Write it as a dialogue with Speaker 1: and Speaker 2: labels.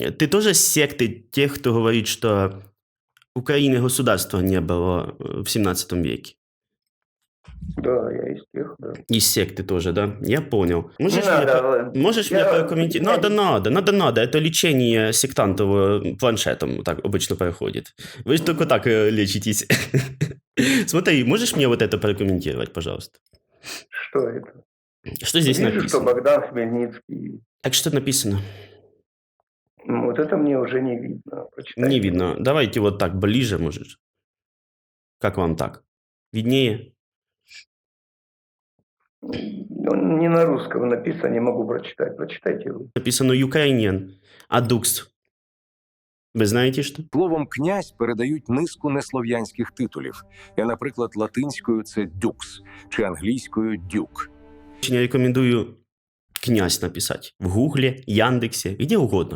Speaker 1: Ты тоже с секты тех, кто говорит, что Украины государства не было в 17 веке?
Speaker 2: Да, я из тех, да.
Speaker 1: Из секты тоже, да? Я понял. Можешь
Speaker 2: Не
Speaker 1: мне,
Speaker 2: надо.
Speaker 1: можешь мне прокомментировать?
Speaker 2: Я-
Speaker 1: Надо. Это лечение сектантов планшетом так обычно проходит. Вы же только так лечитесь. Смотри, можешь мне вот это прокомментировать, пожалуйста?
Speaker 2: Что это?
Speaker 1: Что здесь
Speaker 2: Вижу, что
Speaker 1: написано?
Speaker 2: Богдан Хмельницкий.
Speaker 1: Так что написано?
Speaker 2: Ну, вот это мне уже не видно. Прочитайте.
Speaker 1: Не видно. Давайте вот так, ближе, может. Как вам так? Виднее?
Speaker 2: Ну, не на русском написано, не могу прочитать. Прочитайте вы.
Speaker 1: Написано Ukrainian, а Dux. Ви знаєте, що?
Speaker 3: Словом «князь» передають низку неслов'янських титулів. Наприклад, латинською – це «дюкс», чи англійською «дюк».
Speaker 1: Я рекомендую князь написать в Гугле, Яндексе, где угодно.